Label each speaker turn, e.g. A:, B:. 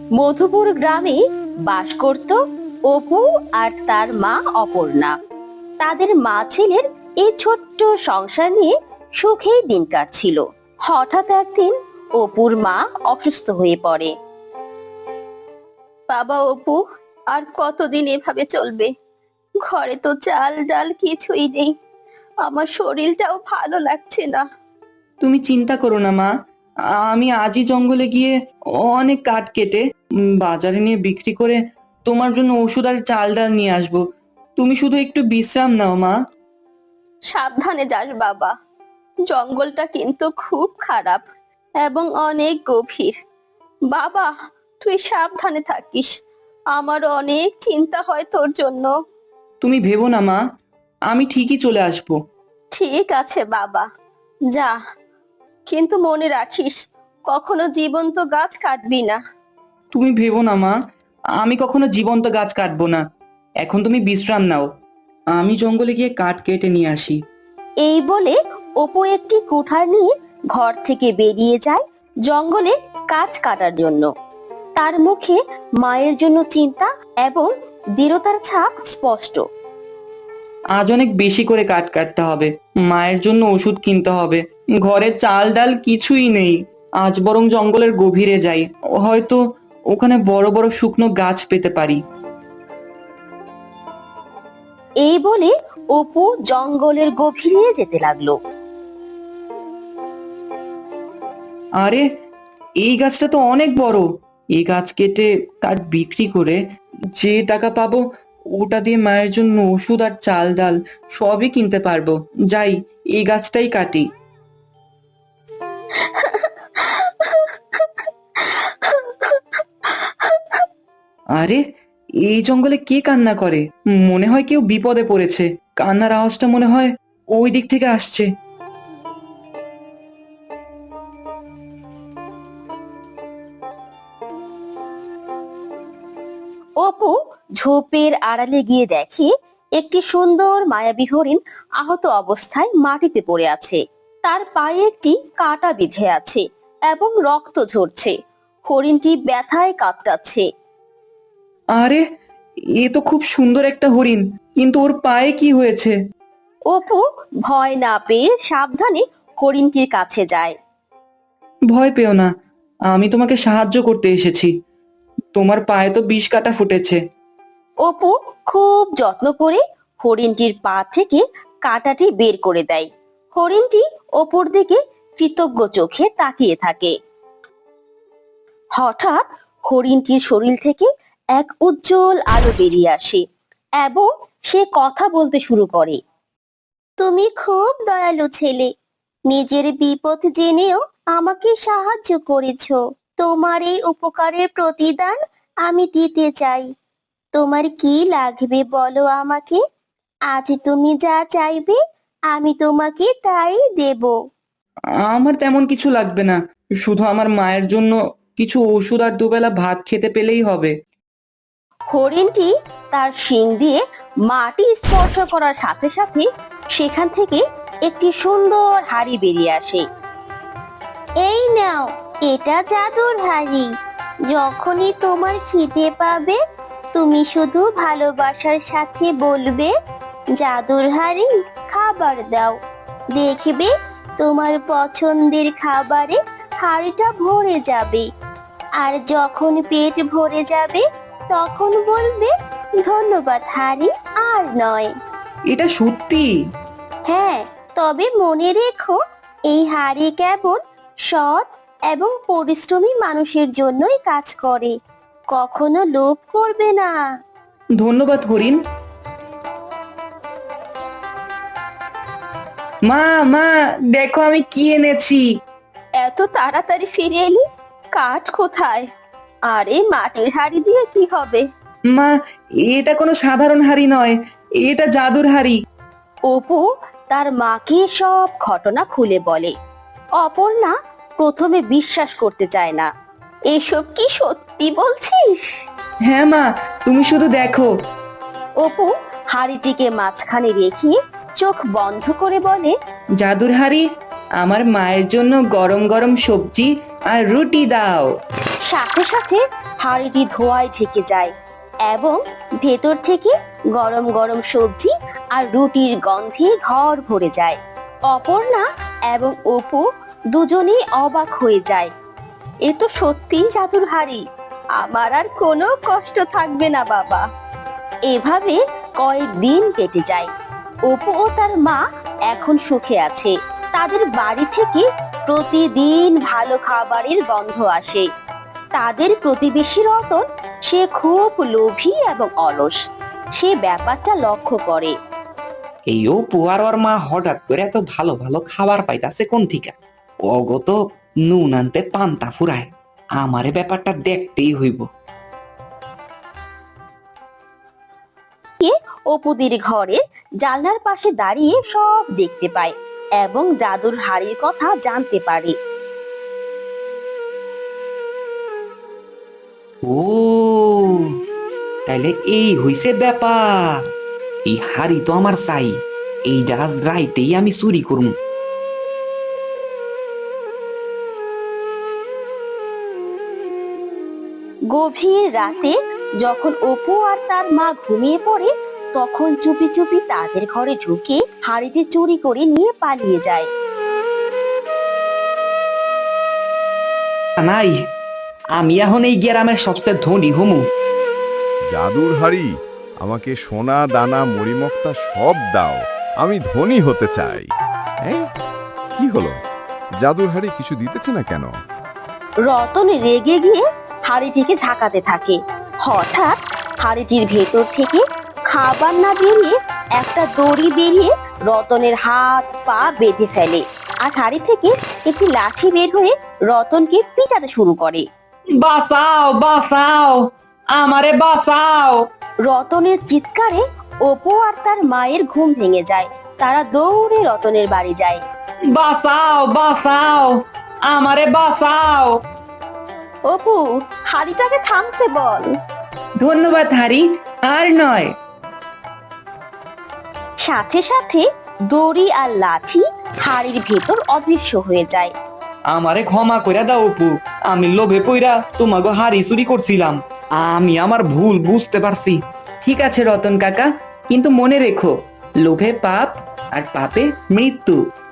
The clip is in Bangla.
A: মধুপুর গ্রামে বাস করত অপু আর তার মা অপর্ণা। তাদের মা ছেলের এই ছোট্ট সংসার নিয়ে সুখেই দিন কাটছিল। হঠাৎ একদিন অপুর মা অসুস্থ হয়ে পড়ে। বাবা অপু, আর কতদিন এভাবে চলবে? ঘরে তো চাল ডাল কিছুই নেই, আমার শরীরটাও ভালো লাগছে না।
B: তুমি চিন্তা করো না মা, আমি আজই জঙ্গলে গিয়ে অনেক কাঠ কেটে বাজারে নিয়ে বিক্রি করে তোমার জন্য ওষুধ আর চাল ডাল নিয়ে আসবো। তুমি শুধু একটু বিশ্রাম নাও মা।
A: সাবধানে যাস বাবা, জঙ্গলটা কিন্তু খুব খারাপ এবং অনেক গভীর। বাবা, তুই সাবধানে থাকিস, আমার অনেক চিন্তা হয় তোর জন্য।
B: তুমি ভেবো না মা, আমি ঠিকই চলে আসবো।
A: ঠিক আছে বাবা, যা, কিন্তু মনে রাখিস কখনো জীবন্ত গাছ কাটবি না।
B: তুমি ভেবো না মা, আমি কখনো জীবন্ত গাছ কাটবো না। এখন তুমি বিশ্রাম নাও, আমি জঙ্গলে গিয়ে কাঠ কেটে নিয়ে আসি।
A: এই বলে অপু একটি কুঠার নিয়ে ঘর থেকে বেরিয়ে যায় জঙ্গলে কাঠ কাটার জন্য। তার মুখে মায়ের জন্য চিন্তা এবং দৃঢ়তার ছাপ স্পষ্ট।
B: আজ অনেক বেশি করে কাঠ কাটতে হবে, মায়ের জন্য ওষুধ কিনতে হবে, ঘরে চাল ডাল কিছুই নেই। আজ বরং জঙ্গলের গভীরে যাই, হয়তো ওখানে বড় বড় শুকনো গাছ পেতে পারি।
A: এই বলে অপু জঙ্গলের গভীরে যেতে লাগলো।
B: আরে, এই গাছটা তো অনেক বড়। এই গাছ কেটে কাঠ বিক্রি করে যে টাকা পাবো, ওটা দিয়ে মায়ের জন্য ওষুধ আর চাল ডাল সবই কিনতে পারবো। যাই, এই গাছটাই কাটি। আরে, এই জঙ্গলে কে কান্না করে? মনে হয় কেউ বিপদে পড়েছে। কান্নার আওয়াজটা মনে হয় ওই দিক থেকে আসছে।
A: অপু ঝোপের আড়ালে গিয়ে দেখে একটি সুন্দর মায়াবী হরিণ আহত অবস্থায় মাটিতে পড়ে আছে। তার পায়ে একটি কাঁটা বিঁধে আছে এবং রক্ত ঝরছে। হরিণটি ব্যথায় কাতরাচ্ছে।
B: আরে, এ তো খুব সুন্দর একটা হরিণ, কিন্তু ওর পায়ে কি হয়েছে?
A: অপু ভয় না পেয়ে সাবধানে হরিণটির কাছে যায়।
B: ভয় পেও না, আমি তোমাকে সাহায্য করতে এসেছি। তোমার পায়ে তো বিষ কাটা ফুটেছে।
A: অপু খুব যত্ন করে হরিণটির পা থেকে কাঁটাটি বের করে দেয়। হরিণটি অপুর দিকে কৃতজ্ঞ চোখে তাকিয়ে থাকে। হঠাৎ হরিণটির শরীর থেকে এক উজ্জ্বল আলো বেরিয়ে আসে এবং সে কথা বলতে শুরু করে। তুমি খুব দয়ালু ছেলে, নিজের বিপদ জেনেও আমাকে সাহায্য করেছো। তোমার এই উপকারের প্রতিদান আমি দিতে চাই। তোমার কি লাগবে বলো আমাকে, আজ তুমি যা চাইবে আমি তোমাকে তাই দেব।
B: আমার তেমন কিছু লাগবে না, শুধু আমার মায়ের জন্য কিছু ওষুধ আর দুবেলা ভাত খেতে পেলেই হবে।
A: হরিণটি তার শিং দিয়ে মাটি স্পর্শ করার সাথে সাথে সেখান থেকে একটি সুন্দর হাড়ি বেরিয়ে আসে। এই নাও, এটা জাদুর হাড়ি। যখনই তোমার খিদে পাবে তুমি শুধু ভালোবাসার সাথে বলবে, জাদুর হাড়ি খাবার দাও। দেখবে তোমার পছন্দের খাবারে হাড়িটা ভরে যাবে। আর যখন পেট ভরে যাবে তখন বলবে, ধন্যবাদ হাড়ি, আর নয়।
B: এটা সত্যি?
A: হ্যাঁ, তবে মনে রেখো, এই হাড়ি কেবল সৎ এবং পরিশ্রমী মানুষের জন্যই কাজ করে, কখনো লোভ করবে না।
B: ধন্যবাদ হরিণ। মা, মা, দেখো আমি কি এনেছি।
A: এত তাড়াতাড়ি ফিরে এলি? কাঠ কোথায়? আর এই মাটির হাড়ি দিয়ে কি হবে?
B: মা, এটা কোনো সাধারণ হাড়ি নয়, এটা জাদুর হাড়ি।
A: অপু তার মাকে সব ঘটনা খুলে বলে। অপর্ণা প্রথমে বিশ্বাস করতে চায় না। এসব কি সত্যি বলছিস?
B: হ্যাঁ মা, তুমি শুধু দেখো।
A: অপু হাড়িটিকে মাঝখানে রেখে চোখ বন্ধ করে বলে,
B: জাদুর হাড়ি, আমার মায়ের জন্য গরম গরম সবজি আর রুটি দাও।
A: সাথে সাথে হাঁড়িটি ধোঁয়ায় ঢেকে যায় এবং ভেতর থেকে গরম গরম সবজি আর রুটির গন্ধে ঘর ভরে যায়। অপর্ণা এবং অপু দুজনেই অবাক হয়ে যায়। এ তো সত্যিই জাদুর হাঁড়ি, আমার আর কোনো কষ্ট থাকবে না বাবা। এভাবে কয়েকদিন কেটে যায়। অপু ও তার মা এখন সুখে আছে। তাদের বাড়ি থেকে প্রতিদিন ভালো খাবারের গন্ধ আসে। তাদের প্রতিবেশী রতন, সে খুব লোভী এবং অলস। সে ব্যাপারটা লক্ষ্য করে।
B: এই অপু আর ওর মা হঠাৎ করে এত ভালো ভালো খাবার পাইতাছে কোন থিকা? অগত নুন আনতে পান্তা ফুরায়, আমারে ব্যাপারটা দেখতেই হইব।
A: অপুদের ঘরে জানলার পাশে দাঁড়িয়ে সব দেখতে পায় এবং জাদুর হাড়ির কথা জানতে পারে।
B: ও, তাইলে এই হইছে ব্যাপার। এই হাড়ি তো আমার চাই, এই আজ রাইতেই আমি চুরি করুম।
A: গভীর রাতে যখন অপু আর তার মা ঘুমিয়ে পড়ে, তখন চুপি চুপি তাদের ঘরে ঢুকে হাড়িটি চুরি করে নিয়ে পালিয়ে যায়।
B: নাই, আমি এখন এই গ্রামের সবচেয়ে ধনী হমু।
C: জাদুর হাড়ি, আমাকে সোনা দানা মরিমক্তা সব দাও, আমি ধনী হতে চাই। এই, কি হলো? জাদুর হাড়ি কিছু দিতেছে না কেন?
A: রতন রেগে গিয়ে হাড়িটিকে ঝাঁকাতে থাকে। হঠাৎ হাড়িটির ভেতর থেকে খাবার না বেরিয়ে একটা দড়ি বেরিয়ে রতনের হাত পা বেঁধে ফেলে, আর হাড়ি থেকে একটি লাঠি বের হয়ে রতনকে পিটাতে শুরু করে।
B: বাঁচাও, বাঁচাও, আমারে বাঁচাও।
A: রতনের চিৎকারে অপু আর তার মায়ের ঘুম ভেঙে যায়। তারা দৌড়ে রতনের বাড়ি যায়।
B: বাঁচাও, বাঁচাও, আমারে বাঁচাও।
A: অপু, হাড়িটাকে থামতে বল।
B: ধন্যবাদ হারি, আর নয়।
A: সাথে সাথে দড়ি আর লাঠি হাড়ির ভেতর অদৃশ্য হয়ে যায়।
B: আমারে ক্ষমা কইরা দাও অপু, আমি লোভে পইরা তোমাকে হাড়ি চুরি করছিলাম। আমি আমার ভুল বুঝতে পারছি। ঠিক আছে রতন কাকা, কিন্তু মনে রেখো, লোভে পাপ আর পাপে মৃত্যু।